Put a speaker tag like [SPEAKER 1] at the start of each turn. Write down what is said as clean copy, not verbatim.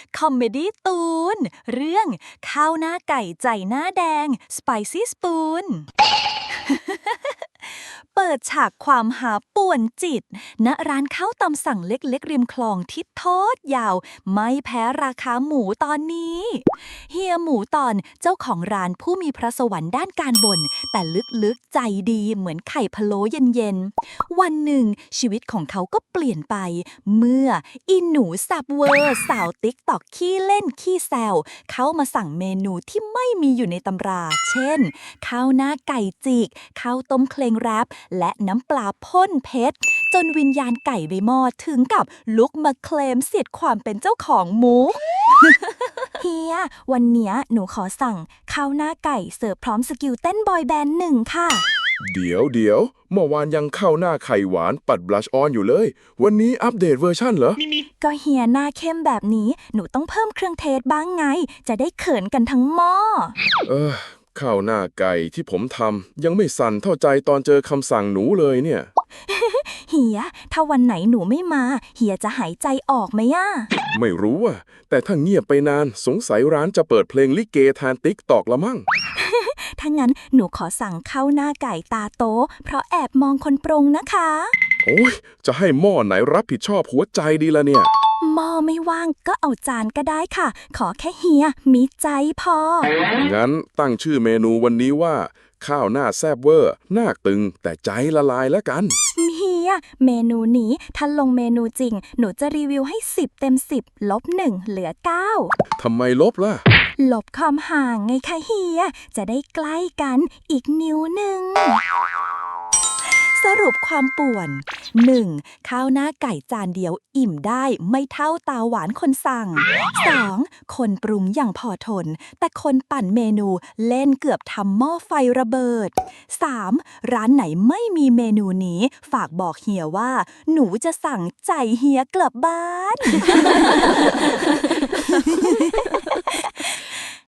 [SPEAKER 1] คอมเมดี้ตูนเรื่องข้าวหน้าไก่ใจหน้าแดง Spicy Spoon เปิดฉากความหาป่วนจิตณร้านข้าวตำสั่งเล็กๆริมคลองที่ทอดยาวไม่แพ้ราคาหมูตอนนี้เฮียหมูตอนเจ้าของร้านผู้มีพระสวรรค์ด้านการบ่นแต่ลึกๆใจดีเหมือนไข่พะโล้เย็นๆวันหนึ่งชีวิตของเขาก็เปลี่ยนไปเมื่ออีหนูสับเวอร์สาวติ๊กตอกขี้เล่นขี้แซวเข้ามาสั่งเมนูที่ไม่มีอยู่ในตำรา เช่นข้าวหน้าไก่จิกข้าวต้มเคลงแรปและน้ำปลาพ่นเพชรจนวิญญาณไก่ในหม้อถึงกับลุกมาเคลมสิทธิ์ความเป็นเจ้าของหมู เฮียวันเนี้ยหนูขอสั่งข้าวหน้าไก่เสิร์ฟพร้อมสกิลเต้นบอยแบนด์1ค่ะ
[SPEAKER 2] เดี๋ยวเมื่อวานยังเข้าหน้าไข่หวานปัดบลัชออนอยู่เลย วันนี้อัปเดตเวอร์ชั่นเหรอ
[SPEAKER 1] ก็เฮียหน้าเข้มแบบนี้หนูต้องเพิ่มเครื่องเทศบ้างไง จะได้เขินกันทั้งหม้อ
[SPEAKER 2] ข้าวหน้าไก่ที่ผมทำยังไม่สั่นเท่าใจตอนเจอคำสั่งหนูเลยเนี่ย
[SPEAKER 1] เฮียถ้าวันไหนหนูไม่มา เฮียจะหายใจออกไหมอ่ะ
[SPEAKER 2] ไม่รู้อ่ะ แต่ถ้าเงียบไปนานสงสัยร้านจะเปิดเพลงลิเกแทนติ๊กตอกละมั่ง
[SPEAKER 1] ถ้างั้นหนูขอสั่งข้าวหน้าไก่ตาโตเพราะแอบมองคนปรุงนะคะ
[SPEAKER 2] โอ้ยจะให้หม้อไหนรับผิดชอบหัวใจดีละเนี่ย
[SPEAKER 1] หม้อไม่ว่างก็เอาจานก็ได้ค่ะ ขอแค่เฮียมีใจพอ
[SPEAKER 2] งั้นตั้งชื่อเมนูวันนี้ว่า ข้าวหน้าแซบเวอร์หน้าตึงแต่ใจละลายแล้วกัน
[SPEAKER 1] เฮียเมนูนี้ถ้าลงเมนูจริง หนูจะรีวิวให้10 เต็ม 10 ลบ 1 เหลือ 9
[SPEAKER 2] ทำไมลบล่ะ
[SPEAKER 1] ลบความห่างไงคะเฮีย จะได้ใกล้กันอีกนิ้วหนึ่ง สรุปความป่วน 1. ข้าวหน้าไก่จานเดียวอิ่มได้ไม่เท่าตาหวานคนสั่ง 2. คนปรุงอย่างพอทน แต่คนปั่นเมนูเล่นเกือบทำหม้อไฟระเบิด 3. ร้านไหนไม่มีเมนูนี้ฝากบอกเฮียว่า หนูจะสั่งใจเฮียกลับบ้าน